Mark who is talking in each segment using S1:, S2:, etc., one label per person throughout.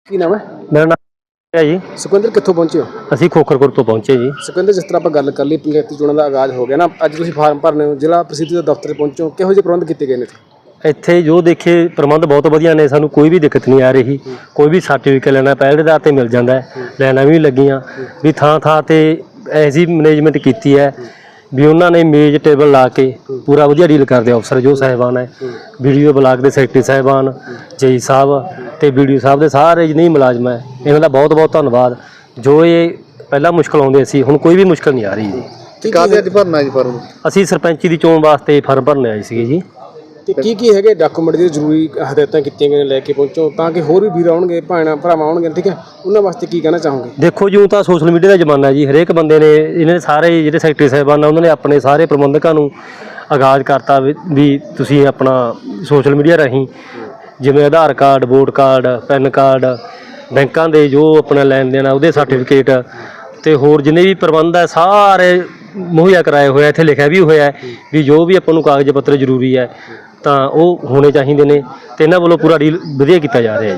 S1: ਕੀ ਨਾਮ ਹੈ?
S2: ਮੇਰਾ ਨਾਮ ਹੈ ਜੀ।
S1: ਸੁਖਵਿੰਦਰ ਕਿੱਥੋਂ ਪਹੁੰਚੇ ਹੋ?
S2: ਅਸੀਂ ਖੋਖਰਪੁਰ ਤੋਂ ਪਹੁੰਚੇ ਜੀ।
S1: ਸੁਖਵਿੰਦਰ, ਜਿਸ ਤਰ੍ਹਾਂ ਆਪਾਂ ਗੱਲ ਕਰ ਲਈ ਪੰਚਾਇਤੀ ਚੋਣਾਂ ਦਾ ਆਗਾਜ਼ ਹੋ ਗਿਆ ਨਾ, ਅੱਜ ਤੁਸੀਂ ਫਾਰਮ ਭਰਨੇ ਹੋ, ਜ਼ਿਲ੍ਹਾ ਪ੍ਰਸਿੱਧੀ ਦੇ ਦਫ਼ਤਰ ਪਹੁੰਚੋ, ਕਿਹੋ ਜਿਹੇ ਪ੍ਰਬੰਧ ਕੀਤੇ ਗਏ ਨੇ?
S2: ਇੱਥੇ ਜੋ ਦੇਖੇ ਪ੍ਰਬੰਧ ਬਹੁਤ ਵਧੀਆ ਨੇ, ਸਾਨੂੰ ਕੋਈ ਵੀ ਦਿੱਕਤ ਨਹੀਂ ਆ ਰਹੀ। ਕੋਈ ਵੀ ਸਰਟੀਫਿਕੇਟ ਲੈਣਾ ਪਹਿਲ ਦੇ ਆਧਾਰ 'ਤੇ ਮਿਲ ਜਾਂਦਾ ਹੈ, ਲਾਈਨਾਂ ਵੀ ਲੱਗੀਆਂ ਵੀ ਥਾਂ ਥਾਂ 'ਤੇ ਐਸੀ ਮੈਨੇਜਮੈਂਟ ਕੀਤੀ ਹੈ ਵੀ ਉਹਨਾਂ ਨੇ ਮੇਜ਼ ਟੇਬਲ ਲਾ ਕੇ ਪੂਰਾ ਵਧੀਆ ਡੀਲ ਕਰਦੇ ਅਫਸਰ ਜੋ ਸਾਹਿਬਾਨ ਹੈ, ਵੀਡੀਓ ਬਲਾਕ ਦੇ ਸੈਕਟਰੀ ਸਾਹਿਬਾਨ, ਜੇਈ ਸਾਹਿਬ ਅਤੇ ਵੀਡੀਓ ਸਾਹਿਬ ਦੇ ਸਾਰੇ ਜਿੰਨੇ ਮੁਲਾਜ਼ਮ ਹੈ, ਇਹਨਾਂ ਦਾ ਬਹੁਤ ਬਹੁਤ ਧੰਨਵਾਦ। ਜੋ ਇਹ ਪਹਿਲਾਂ ਮੁਸ਼ਕਲ ਆਉਂਦੇ ਸੀ, ਹੁਣ ਕੋਈ ਵੀ ਮੁਸ਼ਕਲ ਨਹੀਂ ਆ ਰਹੀ ਜੀ।
S1: ਕਾਹਦੇ ਅੱਜ ਭਰਨਾ ਜੀ ਫਾਰਮ?
S2: ਅਸੀਂ ਸਰਪੰਚੀ ਦੀ ਚੋਣ ਵਾਸਤੇ ਫਾਰਮ ਭਰਨੇ ਆਏ ਸੀਗੇ ਜੀ।
S1: ਤੇ ਕੀ ਹੈਗੇ ਡਾਕੂਮੈਂਟ ਜਿਹੜੇ ਜ਼ਰੂਰੀ ਹਦਾਇਤਾਂ ਕੀਤੀਆਂ ਗਈਆਂ ਲੈ ਕੇ ਪਹੁੰਚੋ, ਤਾਂ ਕਿ ਹੋਰ ਵੀ ਵੀਰ ਆਉਣਗੇ, ਭੈਣਾਂ ਭਰਾਵਾਂ ਆਉਣਗੇ, ਠੀਕ ਹੈ, ਉਹਨਾਂ ਵਾਸਤੇ ਕੀ ਕਹਿਣਾ ਚਾਹੋਗੇ?
S2: ਦੇਖੋ ਜੀ, ਤਾਂ ਸੋਸ਼ਲ ਮੀਡੀਆ ਦਾ ਜ਼ਮਾਨਾ ਜੀ, ਹਰੇਕ ਬੰਦੇ ਨੇ ਇਹਨਾਂ ਨੇ ਸਾਰੇ ਜਿਹੜੇ ਸੈਕਟਰੀ ਸਾਹਿਬਾਨ ਆ ਉਹਨਾਂ ਨੇ ਆਪਣੇ ਸਾਰੇ ਪ੍ਰਬੰਧਕਾਂ ਨੂੰ ਆਗਾਜ਼ ਕਰਤਾ ਵੀ ਤੁਸੀਂ ਆਪਣਾ ਸੋਸ਼ਲ ਮੀਡੀਆ ਰਾਹੀਂ ਜਿਵੇਂ Aadhaar card, vote card, PAN card, ਬੈਂਕਾਂ ਦੇ ਜੋ ਆਪਣਾ ਲੈਣ ਦੇਣ ਆ ਉਹਦੇ ਸਰਟੀਫਿਕੇਟ ਅਤੇ ਹੋਰ ਜਿੰਨੇ ਵੀ ਪ੍ਰਬੰਧ ਹੈ ਸਾਰੇ ਮੁਹੱਈਆ ਕਰਾਏ ਹੋਏ ਆ। ਇੱਥੇ ਲਿਖਿਆ ਵੀ ਹੋਇਆ ਵੀ ਜੋ ਵੀ ਆਪਾਂ ਨੂੰ ਕਾਗਜ਼ ਪੱਤਰ ਜ਼ਰੂਰੀ ਹੈ ਤਾਂ ਉਹ ਹੋਣੇ ਚਾਹੀਦੇ ਨੇ, ਅਤੇ ਇਹਨਾਂ ਵੱਲੋਂ ਪੂਰਾ ਡੀਲ ਵਧੀਆ ਕੀਤਾ ਜਾ ਰਿਹਾ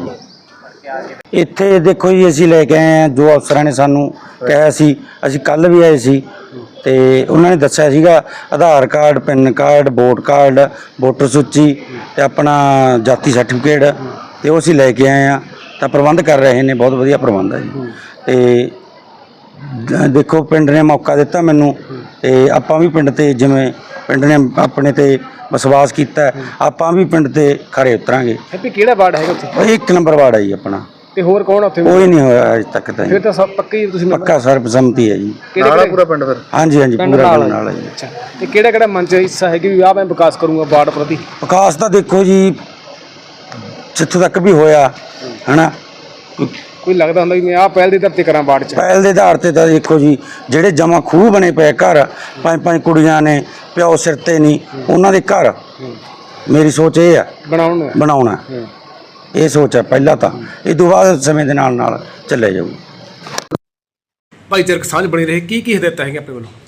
S2: ਜੀ।
S3: ਇੱਥੇ ਦੇਖੋ ਜੀ, ਅਸੀਂ ਲੈ ਕੇ ਆਏ ਹਾਂ ਜੋ ਅਫਸਰਾਂ ਨੇ ਸਾਨੂੰ ਕਿਹਾ ਸੀ। ਅਸੀਂ ਕੱਲ੍ਹ ਵੀ ਆਏ ਸੀ ਅਤੇ ਉਹਨਾਂ ਨੇ ਦੱਸਿਆ ਸੀਗਾ Aadhaar card, PAN card, vote card, voter ਸੂਚੀ ਅਤੇ ਆਪਣਾ ਜਾਤੀ ਸਰਟੀਫਿਕੇਟ, ਅਤੇ ਉਹ ਅਸੀਂ ਲੈ ਕੇ ਆਏ ਹਾਂ ਤਾਂ ਪ੍ਰਬੰਧ ਕਰ ਰਹੇ ਨੇ। ਬਹੁਤ ਵਧੀਆ ਪ੍ਰਬੰਧ ਹੈ ਜੀ। ਅਤੇ ਦੇਖੋ, ਪਿੰਡ ਨੇ ਮੌਕਾ ਦਿੱਤਾ ਮੈਨੂੰ, ਅਤੇ ਆਪਾਂ ਵੀ ਪਿੰਡ 'ਤੇ ਜਿਵੇਂ ਪਿੰਡ ਨੇ ਆਪਣੇ 'ਤੇ ਵਿਸ਼ਵਾਸ ਕੀਤਾ, ਆਪਾਂ ਵੀ ਪਿੰਡ 'ਤੇ ਖਰੇ ਉਤਰਾਂਗੇ।
S1: ਹੈਪੀ, ਕਿਹੜਾ ਵਾਰਡ ਹੈਗਾ ਉੱਥੇ?
S3: 1 ਨੰਬਰ ਵਾਰਡ ਹੈ ਜੀ ਆਪਣਾ।
S1: ਤੇ ਹੋਰ ਕੌਣ ਉੱਥੇ?
S3: ਕੋਈ ਨਹੀਂ ਹੋਇਆ ਅਜੇ ਤੱਕ ਤਾਂ।
S1: ਫਿਰ ਤਾਂ ਸਭ ਪੱਕੇ ਹੀ ਤੁਸੀਂ?
S3: ਪੱਕਾ ਸਰਬਸੰਮਤੀ ਹੈ ਜੀ।
S1: ਕਿਹੜਾ ਪੂਰਾ ਪਿੰਡ ਫਿਰ?
S3: ਹਾਂਜੀ ਹਾਂਜੀ, ਪੂਰਾ ਪਿੰਡ ਨਾਲ ਹੈ ਜੀ।
S1: ਅੱਛਾ, ਤੇ ਕਿਹੜਾ ਮਨ 'ਚ ਹਿੱਸਾ ਹੈ ਕਿ ਵੀ ਆਹ ਮੈਂ ਵਿਕਾਸ ਕਰੂੰਗਾ ਵਾਰਡ ਪ੍ਰਤੀ?
S3: ਵਿਕਾਸ ਤਾਂ ਦੇਖੋ ਜੀ, ਜਿੱਥੋਂ ਤੱਕ ਵੀ ਹੋਇਆ ਹੈ ਨਾ,
S1: ਕੋਈ ਲੱਗਦਾ ਹੁੰਦਾ ਕਿ ਮੈਂ ਆਹ ਪਹਿਲ ਦੇ ਆਧਾਰ 'ਤੇ ਕਰਾਂ ਵਾਰਡ 'ਚ?
S3: ਪਹਿਲ ਦੇ ਆਧਾਰ 'ਤੇ ਤਾਂ ਦੇਖੋ ਜੀ, ਜਿਹੜੇ ਜਮਾ ਖੂਹ ਬਣੇ ਪਏ ਘਰ, 5-5 ਕੁੜੀਆਂ ਨੇ, ਪਿਓ ਸਿਰ 'ਤੇ ਨਹੀਂ, ਉਹਨਾਂ ਦੇ ਘਰ ਮੇਰੀ ਸੋਚ ਇਹ ਹੈ ਬਣਾਉਣਾ। ਇਹ ਸੋਚ ਹੈ ਪਹਿਲਾਂ ਤਾਂ, ਇਹ ਤੋਂ ਬਾਅਦ ਸਮੇਂ ਦੇ ਨਾਲ ਨਾਲ ਚੱਲੇ ਜਾਊ।
S1: ਭਾਈਚਾਰਕ ਸਾਂਝ ਬਣੀ ਰਹੇ, ਕੀ ਹਦਾਇਤਾਂ ਹੈਗੀਆਂ ਆਪਣੇ ਵੱਲੋਂ?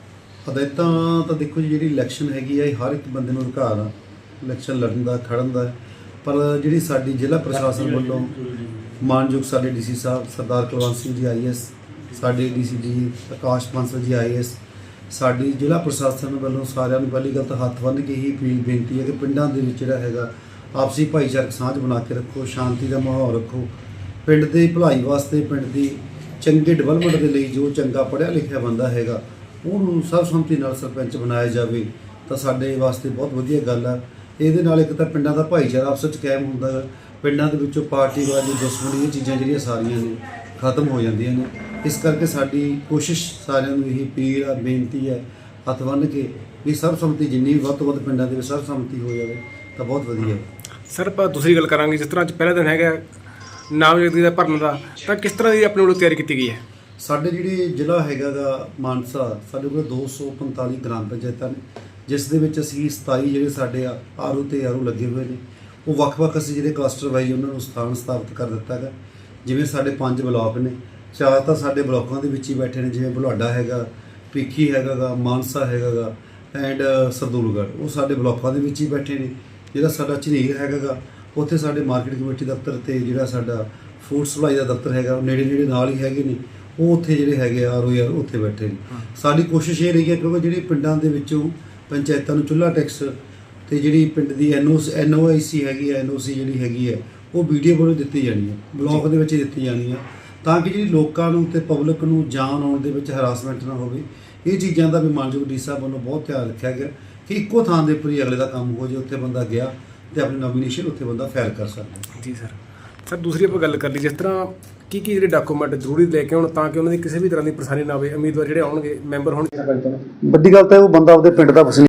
S4: ਹਦਾਇਤਾਂ ਤਾਂ ਦੇਖੋ ਜੀ, ਜਿਹੜੀ ਇਲੈਕਸ਼ਨ ਹੈਗੀ ਆ, ਇਹ ਹਰ ਇੱਕ ਬੰਦੇ ਨੂੰ ਅਧਿਕਾਰ ਆ ਇਲੈਕਸ਼ਨ ਲੜਨ ਦਾ, ਖੜਨ ਦਾ। ਪਰ ਜਿਹੜੀ ਸਾਡੀ ਜ਼ਿਲ੍ਹਾ ਪ੍ਰਸ਼ਾਸਨ ਵੱਲੋਂ ਮਾਨਯੋਗ ਸਾਡੇ ਡੀਸੀ ਸਾਹਿਬ ਸਰਦਾਰ ਕੁਲਵੰਤ ਸਿੰਘ ਜੀ IAS, ਸਾਡੇ DCG ਆਕਾਸ਼ ਬਾਂਸਲ ਜੀ IAS, ਸਾਡੀ ਜ਼ਿਲ੍ਹਾ ਪ੍ਰਸ਼ਾਸਨ ਵੱਲੋਂ ਸਾਰਿਆਂ ਨੂੰ ਪਹਿਲੀ ਗੱਲ ਤਾਂ ਹੱਥ ਬੰਨ੍ਹ ਕੇ ਹੀ ਬੇਨਤੀ ਹੈ ਕਿ ਪਿੰਡਾਂ ਦੇ ਵਿੱਚ ਜਿਹੜਾ ਹੈਗਾ ਆਪਸੀ ਭਾਈਚਾਰਕ ਸਾਂਝ ਬਣਾ ਕੇ ਰੱਖੋ, ਸ਼ਾਂਤੀ ਦਾ ਮਾਹੌਲ ਰੱਖੋ। ਪਿੰਡ ਦੀ ਭਲਾਈ ਵਾਸਤੇ, ਪਿੰਡ ਦੀ ਚੰਗੇ ਡਿਵੈਲਪਮੈਂਟ ਦੇ ਲਈ ਜੋ ਚੰਗਾ ਪੜ੍ਹਿਆ ਲਿਖਿਆ ਬੰਦਾ ਹੈਗਾ ਉਹਨੂੰ ਸਰਬਸੰਮਤੀ ਨਾਲ ਸਰਪੰਚ ਬਣਾਇਆ ਜਾਵੇ ਤਾਂ ਸਾਡੇ ਵਾਸਤੇ ਬਹੁਤ ਵਧੀਆ ਗੱਲ ਆ। ਇਹਦੇ ਨਾਲ ਇੱਕ ਤਾਂ ਪਿੰਡਾਂ ਦਾ ਭਾਈਚਾਰਾ ਆਪਸ ਵਿੱਚ ਕਾਇਮ ਹੁੰਦਾ ਹੈ, ਪਿੰਡਾਂ ਦੇ ਵਿੱਚੋਂ ਪਾਰਟੀਵਾਦੀ, ਦੁਸ਼ਮਣੀ, ਇਹ ਚੀਜ਼ਾਂ ਜਿਹੜੀਆਂ ਸਾਰੀਆਂ ਨੇ ਖਤਮ ਹੋ ਜਾਂਦੀਆਂ ਨੇ। ਇਸ ਕਰਕੇ ਸਾਡੀ ਕੋਸ਼ਿਸ਼ ਸਾਰਿਆਂ ਨੂੰ ਇਹੀ ਅਪੀਲ ਆ, ਬੇਨਤੀ ਹੈ ਹੱਥ ਬੰਨ੍ਹ ਕੇ ਵੀ ਸਰਬਸੰਮਤੀ ਜਿੰਨੀ ਵੀ ਵੱਧ ਤੋਂ ਵੱਧ ਪਿੰਡਾਂ ਦੇ ਵਿੱਚ ਸਰਬਸੰਮਤੀ ਹੋ ਜਾਵੇ ਤਾਂ ਬਹੁਤ ਵਧੀਆ।
S1: ਸਰ, ਆਪਾਂ ਦੂਸਰੀ ਗੱਲ ਕਰਾਂਗੇ, ਜਿਸ ਤਰ੍ਹਾਂ ਅੱਜ ਪਹਿਲਾ ਦਿਨ ਹੈਗਾ ਨਾਮਜ਼ਦਗੀ ਦਾ ਭਰਨ ਦਾ, ਤਾਂ ਕਿਸ ਤਰ੍ਹਾਂ ਦੀ ਆਪਣੇ ਵੱਲੋਂ ਤਿਆਰੀ ਕੀਤੀ ਗਈ ਹੈ?
S4: ਸਾਡੇ ਜਿਹੜੀ ਜ਼ਿਲ੍ਹਾ ਹੈਗਾ ਗਾ ਮਾਨਸਾ, ਸਾਡੇ ਕੋਲ 245 ਗ੍ਰਾਮ ਪੰਚਾਇਤਾਂ ਨੇ, ਜਿਸ ਦੇ ਵਿੱਚ ਅਸੀਂ 27 ਜਿਹੜੇ ਸਾਡੇ ਆਰਓ ਤੇ ਆਰਓ ਲੱਗੇ ਹੋਏ ਨੇ। ਉਹ ਵੱਖ-ਵੱਖ ਅਸੀਂ ਜਿਹੜੇ ਕਲਸਟਰ ਵਾਈਜ਼ ਉਹਨਾਂ ਨੂੰ ਸਥਾਨ ਸਥਾਪਿਤ ਕਰ ਦਿੱਤਾ ਹੈਗਾ। ਜਿਵੇਂ ਸਾਡੇ 5 ਬਲਾਕ ਨੇ, 4 ਤਾਂ ਸਾਡੇ ਬਲਾਕਾਂ ਦੇ ਵਿੱਚ ਹੀ ਬੈਠੇ ਨੇ, ਜਿਵੇਂ ਬੁਲਾਡਾ ਹੈਗਾ, ਭੀਖੀ ਹੈਗਾ ਗਾ, ਮਾਨਸਾ ਹੈਗਾ ਗਾ ਐਂਡ ਸਰਦੂਲਗੜ੍ਹ, ਉਹ ਸਾਡੇ ਬਲਾਕਾਂ ਦੇ ਵਿੱਚ ਹੀ ਬੈਠੇ ਨੇ। ਜਿਹੜਾ ਸਾਡਾ ਝਨੀਰ ਹੈਗਾ ਗਾ, ਉੱਥੇ ਸਾਡੇ ਮਾਰਕੀਟ ਕਮੇਟੀ ਦਫ਼ਤਰ ਅਤੇ ਜਿਹੜਾ ਸਾਡਾ ਫੂਡ ਸਪਲਾਈ ਦਾ ਦਫ਼ਤਰ ਹੈਗਾ, ਉਹ ਨੇੜੇ ਨਾਲ ਹੀ ਹੈਗੇ ਨੇ। ਉਹ ਉੱਥੇ ਜਿਹੜੇ ਹੈਗੇ ਆਰਓ ਯਾਰ ਉੱਥੇ ਬੈਠੇ ਨੇ। ਸਾਡੀ ਕੋਸ਼ਿਸ਼ ਇਹ ਰਹੀ ਹੈ ਕਿਉਂਕਿ ਜਿਹੜੀ ਪਿੰਡਾਂ ਦੇ ਵਿੱਚੋਂ ਪੰਚਾਇਤਾਂ ਨੂੰ ਚੁੱਲ੍ਹਾ ਟੈਕਸ ਅਤੇ ਜਿਹੜੀ ਪਿੰਡ ਦੀ NOIC ਹੈਗੀ ਹੈ, NOC ਜਿਹੜੀ ਹੈਗੀ ਹੈ, ਉਹ BDO ਵੱਲੋਂ ਦਿੱਤੀ ਜਾਣੀ ਹੈ, ਬਲਾਕ ਦੇ ਵਿੱਚ ਦਿੱਤੀ ਜਾਣੀ ਆ, ਤਾਂ ਕਿ ਜਿਹੜੀ ਲੋਕਾਂ ਨੂੰ ਅਤੇ ਪਬਲਿਕ ਨੂੰ ਜਾਣ ਆਉਣ ਦੇ ਵਿੱਚ ਹਰਾਸਮੈਂਟ ਨਾ ਹੋਵੇ। ਇਹ ਚੀਜ਼ਾਂ ਦਾ ਵੀ ਮਾਨਯੋਗ ਡੀ ਸਾਹਿਬ ਵੱਲੋਂ ਬਹੁਤ ਧਿਆਨ ਰੱਖਿਆ ਗਿਆ ਕਿ ਇੱਕੋ ਥਾਂ ਦੇ ਉੱਪਰ ਹੀ ਅਗਲੇ ਦਾ ਕੰਮ ਹੋ ਜਾਏ, ਉੱਥੇ ਬੰਦਾ ਗਿਆ ਅਤੇ ਆਪਣੀ ਨੋਮੀਨੇਸ਼ਨ ਉੱਥੇ ਬੰਦਾ ਫਾਈਲ ਕਰ ਸਕਦਾ।
S1: ਜੀ ਸਰ, ਦੂਸਰੀ ਆਪਾਂ ਗੱਲ ਕਰ ਲਈ, ਜਿਸ ਤਰ੍ਹਾਂ ਕੀ ਜਿਹੜੇ ਡਾਕੂਮੈਂਟ ਜ਼ਰੂਰੀ ਲੈ ਕੇ ਆਉਣ ਤਾਂ ਕਿ ਉਹਨਾਂ ਦੀ ਕਿਸੇ ਵੀ ਤਰ੍ਹਾਂ ਦੀ ਪਰੇਸ਼ਾਨੀ ਨਾ ਆਵੇ, ਉਮੀਦਵਾਰ ਜਿਹੜੇ ਆਉਣਗੇ ਮੈਂਬਰ ਹੋਣਗੇ।
S4: ਵੱਡੀ ਗੱਲ ਤਾਂ ਉਹ ਬੰਦਾ ਆਪਦੇ ਪਿੰਡ ਦਾ ਵਸਨੀਕ